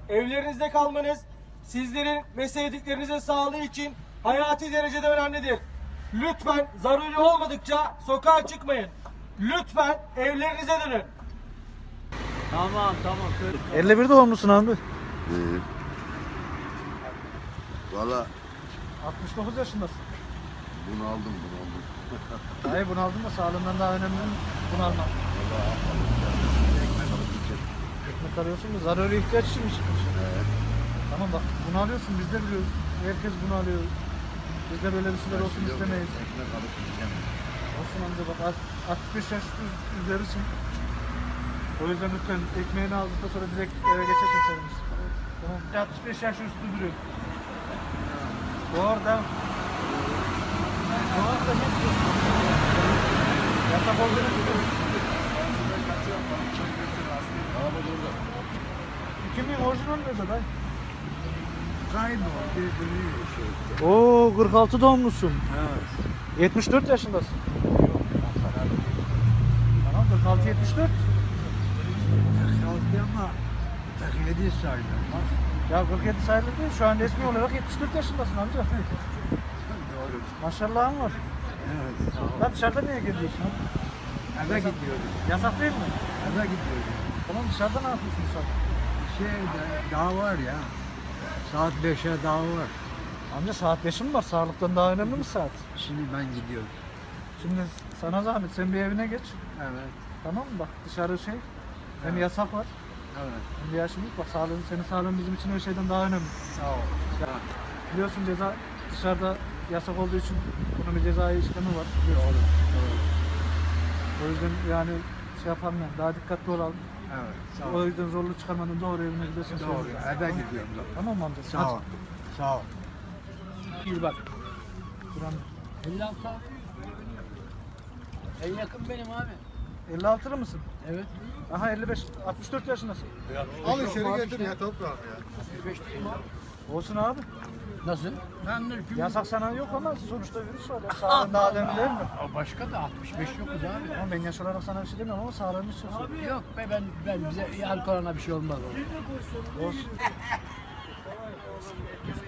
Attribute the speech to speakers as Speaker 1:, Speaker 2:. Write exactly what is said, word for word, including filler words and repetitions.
Speaker 1: evlerinizde kalmanız sizlerin ve sevdiklerinizin sağlığı için hayati derecede önemlidir. Lütfen zaruri olmadıkça sokağa çıkmayın. Lütfen evlerinize dönün.
Speaker 2: Tamam tamam.
Speaker 3: elli bir doğumlusun abi.
Speaker 4: Ee, Valla
Speaker 3: altmış dokuz yaşındasın.
Speaker 4: bunu aldım bunu aldım.
Speaker 3: Hayır bunu aldın da sağlığından daha önemli bunu almak.
Speaker 4: Ekmek alıp gideceğim.
Speaker 3: Ekmek arıyorsun da zaruri ihtiyaç için mi çıkmış?
Speaker 4: Evet.
Speaker 3: Tamam bak bunu alıyorsun biz de biliyoruz. Herkes bunu alıyor. Biz de böyle bir şeyler olsun
Speaker 4: Yok,
Speaker 3: istemeyiz.
Speaker 4: Ekmek alıp gideceğim.
Speaker 3: Olsun amca bak altmış beş yaş üz- üzerisin. O yüzden lütfen ekmeğini aldıktan sonra direkt eve geçersin seviniz. Tamam. altmış beş yaş üstü duruyor. Doğru da. Doğru da ne diyorsun? Yasak olduğunu biliyorum. Kimin orijinal nerede dayı?
Speaker 4: Kaybol birbirini şey.
Speaker 3: Oo kırk altı doğumlusun.
Speaker 4: Evet.
Speaker 3: yetmiş dört yaşındasın. Tamam kırk altı yetmiş dört.
Speaker 4: Kalktı ama kırk yedi saydım.
Speaker 3: Ya kırk yedi sayılır değil. Şu an resmi olarak yetmiş dört yaşındasın amca.
Speaker 4: Doğru.
Speaker 3: Maşallahın var.
Speaker 4: Evet. Sağ ol.
Speaker 3: Lan dışarıda niye geziyorsun abi?
Speaker 4: Eve gidiyorum.
Speaker 3: Yasak değil mi?
Speaker 4: Eve gidiyorum.
Speaker 3: Tamam dışarıda ne yapıyorsun sen?
Speaker 4: Şey daha var ya. Saat beşe daha var.
Speaker 3: Amca saat beşi mi var? Sağlıktan daha önemli mi saat?
Speaker 4: Şimdi ben gidiyorum.
Speaker 3: Şimdi sana zahmet sen bir evine geç.
Speaker 4: Evet.
Speaker 3: Tamam mı? Bak dışarı şey. Hem
Speaker 4: Evet.
Speaker 3: yasak var.
Speaker 4: Evet.
Speaker 3: Hem de yaşlılık var. Sağlığın, senin sağlığın bizim için her şeyden daha önemli.
Speaker 4: Sağ ol.
Speaker 3: Biliyorsun ceza dışarıda yasak olduğu için bunun bir cezai işlemi var.
Speaker 4: Doğru. Doğru.
Speaker 3: O yüzden yani şey yapalım yani daha dikkatli olalım.
Speaker 4: Evet. Sağ
Speaker 3: O
Speaker 4: ol.
Speaker 3: yüzden zorluk çıkarmadan doğru evine gidersin.
Speaker 4: Doğru.
Speaker 3: söyleyeyim.
Speaker 4: Eve gidiyorum. da.
Speaker 3: Tamam mı amca?
Speaker 4: Sağ ol. Sağ ol.
Speaker 3: İyi bak. Duran.
Speaker 2: elli altı abi. En yakın benim abi.
Speaker 3: elli altılı mısın?
Speaker 2: Evet.
Speaker 3: Aha elli beş, altmış dört yaşındasın.
Speaker 4: Al içeri getir ya toprağım ya.
Speaker 2: altmış beş değil mi abi?
Speaker 3: Olsun abi.
Speaker 2: Nasıl? Ben de
Speaker 3: Yasak sana yok ama sonuçta virüs var. Ya. Sağlığın daha önemli değil mi?
Speaker 2: Başka da altmış beş yokuz abi.
Speaker 3: Ama ben yaş olarak sana bir şey demiyorum ama sağlığın için söylüyorum.
Speaker 2: Yok be ben ben bize alkolana bir şey olmaz.
Speaker 3: Olsun.